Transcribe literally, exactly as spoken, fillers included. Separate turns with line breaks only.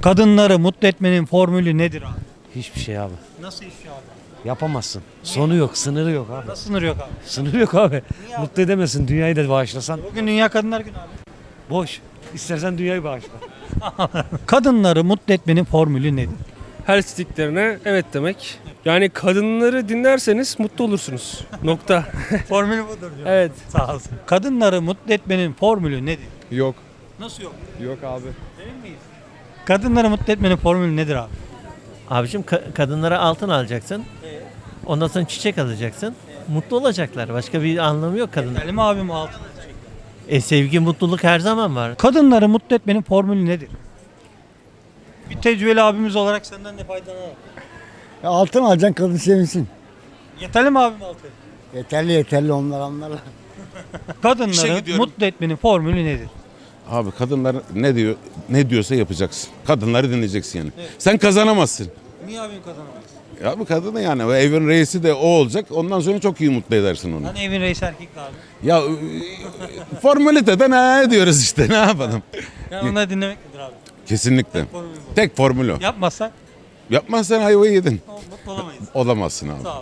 Kadınları mutlu etmenin formülü nedir abi?
Hiçbir şey abi.
Nasıl iş abi?
Yapamazsın. Sonu yok, sınırı yok abi.
Nasıl sınır yok abi?
Sınırı yok abi. Mutlu edemezsin. Dünyayı da bağışlasan
Bugün Dünya Kadınlar Günü abi.
boş. İstersen dünyayı bağışla.
Kadınları mutlu etmenin formülü nedir?
Her istediklerine evet demek. Yani kadınları dinlerseniz mutlu olursunuz. Nokta.
Formülü budur diyor.
Evet.
Sağ olsun. Kadınları mutlu etmenin formülü nedir?
Yok.
Nasıl yok?
Yok abi.
Emin miyiz? Kadınları mutlu etmenin formülü nedir abi?
Abicim ka- kadınlara altın alacaksın. Ondan sonra çiçek alacaksın. Mutlu olacaklar. Başka bir anlamı yok kadın.
Selim abim altın.
E sevgi, mutluluk her zaman var.
Kadınları mutlu etmenin formülü nedir? Bir tecrübeli abimiz olarak senden de faydalanalım.
Ya altın alacaksın kadın sevinsin.
Yeterli mi abim altın?
Yeterli yeterli onlar onlarla.
Kadınları mutlu etmenin formülü nedir?
Abi kadınlar ne diyor ne diyorsa yapacaksın. Kadınları dinleyeceksin yani. Sen kazanamazsın.
Niye abim kazanamaz?
Ya bu kadını yani o evin reisi de o olacak. Ondan sonra çok iyi mutlu edersin onu.
Hani evin reisi erkekti abi.
Ya e, formaliteden ne diyoruz işte ne yapalım.
Yani onları dinlemek nedir abi?
Kesinlikle.
Formülü bu.
Tek formül o.
Yapmazsak
Yapmazsan ayvayı yedin.
mutlu olamayız.
Olamazsın abi.
Sağ ol.